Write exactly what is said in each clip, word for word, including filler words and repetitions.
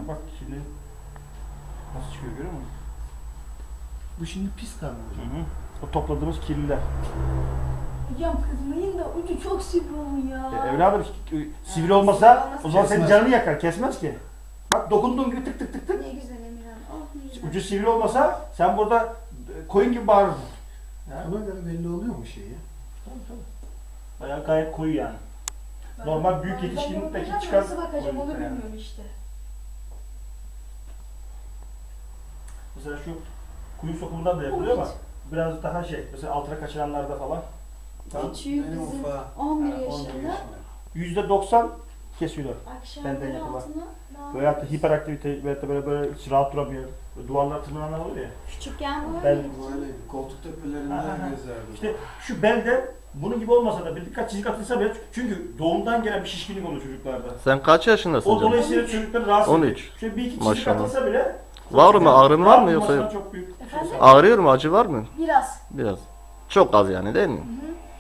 Ha, bak şimdi nasıl çıkıyor görüyor musun? Bu şimdi pis karnı hocam. Hı hı. O topladığımız kirliler. Hocam kızmayın da ucu çok sivri olun ya. E, evladım sivri Ha, olmasa sivri olmasa o zaman senin kesmez. canını yakar, kesmez ki. Bak dokunduğun gibi tık tık tık tık. Ne güzel Emirhan. Oh ne güzel. Ucu sivri olmasa sen burada e, koyun gibi bağırırdın. Ya. Ona göre belli oluyor mu şeyi? Tabii tabii. Bayağı gayet koyu yani. Ben- Normal büyük ben- yetişkinlikteki ben çıkan Nasıl bakacağım onu koyun yani. bilmiyorum işte. Mesela şu kuyu sokumundan da yapılıyor ama biraz daha şey, mesela altına kaçıranlarda falan. Tamam. Küçüğü Benim kızım ufağı. on bir Ha, on bir yaşında. yüzde doksan kesiyorlar. Benden Akşamları yapılan. altına daha Böyle hatta hiperaktivite ve böyle böyle hiç rahat duramıyor. Böyle duvarlar tırmananlar oluyor ya. Küçükken bu Ben- öyleydi. Böyleydi. Koltuk Ha, ha, tepelerinden ha. gezerdi. İşte şu belde bunun gibi olmasa da bir dikkat çizik atılsa bile çünkü doğumdan gelen bir şişkinlik oluyor çocuklarda. Sen kaç yaşındasın O canım? dolayısıyla çocukları rahatsız on ediyor. üç. Şöyle bir iki çizik Maşallah. atılsa bile Var mı? Ağrın var mı yoksa? Rahat çok büyük. Efendim? Ağrıyor mu? Acı var mı? Biraz. Biraz. Çok az yani değil mi?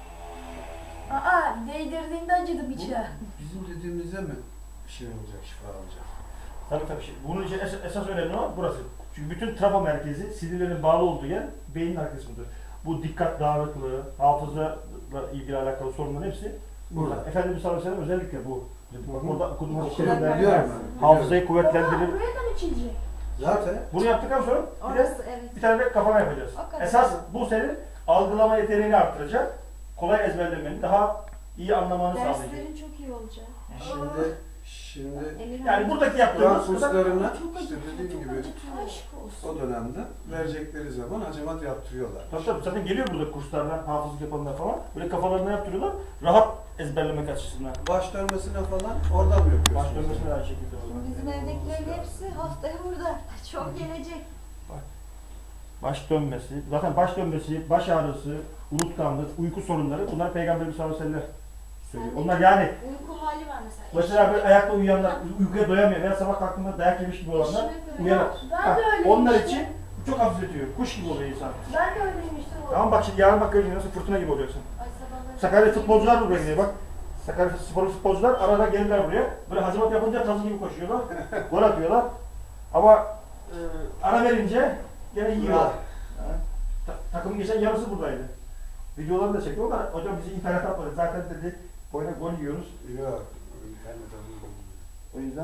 Aa değdirdiğinde acıdı bıçağı. Bizim dediğimize mi şey olacak, şifa olacak? Tabii tabii. Şey. Bunun için esas, esas önemli olan burası. Çünkü bütün trafo merkezi sinirlerin bağlı olduğu yer beynin arka kısmıdır. Bu dikkat dağınıklığı, hafızayla ilgili alakalı sorunların hepsi burada. Burada. Efendimiz sallallahu aleyhi ve sellem özellikle bu. Hı hı. Orada okuduğumuz Okuduğum şeyler biliyorum ben. hafızayı Oha, kuvvetlendirir. buraya da mı çizilecek? Zaten Bunu yaptıktan sonra bir de Orası evet. bir tane de kafana yapacağız. O kadar. Esas bu senin algılama yeteneğini arttıracak. Kolay ezberlemeni, daha iyi anlamanı sağlayacak. Derslerin çok iyi olacak. şimdi şimdi Emirhan. Yani buradaki Kur'an yaptığımız kurslarına Çok işte acıtıyor, dediğim çok gibi acıtıyor. Aşk olsun. o dönemde verecekleri zaman hacamat yaptırıyorlar. Tabii tabii zaten geliyor burada kurslardan, hafızlık yapanlar falan. Böyle kafalarına yaptırıyorlar. Rahat ezberlemek açısından. Baş dönmesine falan oradan mı yapıyorsunuz? Baş dönmesine de aynı şekilde oluyor. Bizim evdekilerin hepsi haftaya burada. Çok gelecek. Baş dönmesi, zaten baş dönmesi, baş ağrısı, unutkanlık, uyku sorunları bunlar Peygamberimiz sallallahu aleyhi ve sellem söylüyor. Sende Onlar yani Uyku hali var mesela. mesela böyle ayakta uyuyanlar, uykuya doyamıyor veya sabah kalktığında dayak yemiş gibi olanlar uyanır. Ben Ha, de öyleyim onlar işte. için çok hafifletiyor. Kuş gibi oluyor insan. Ben de öyleyim işte. Tamam bak şimdi yarın bak göreceğin nasıl fırtına gibi olacaksın. Ay sabahları. Sakarya futbolcular buraya geliyor bak. Sakarya spor futbolcular arada gelirler buraya. Böyle hacivat yapınca tazı gibi koşuyorlar. Gol atıyorlar. Ama e, ara verince gene yiyorlar. Yani, ta- takımın geçen yarısı buradaydı. Videolarını da çekiyor ama hocam bizi internet atmadı. Zaten dedi oyuna gol yiyoruz. Yok. internet alıyor. O yüzden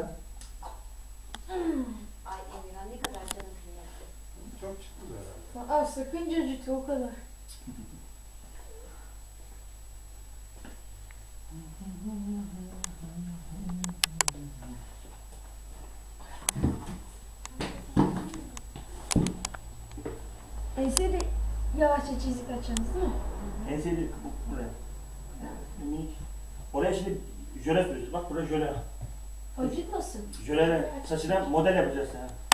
Ay Emirhan ne kadar canım kıymetli. Çok çıktı herhalde. Aa sakınca acıtıyor o kadar. Ense de yavaşça çizik açacağız değil mi? en sevdiğim bu buraya. Minik. Oraya şimdi jöle sürüyoruz. Bak buraya jöle. Acıtmasın. Jöle saçına model yapacağız yani.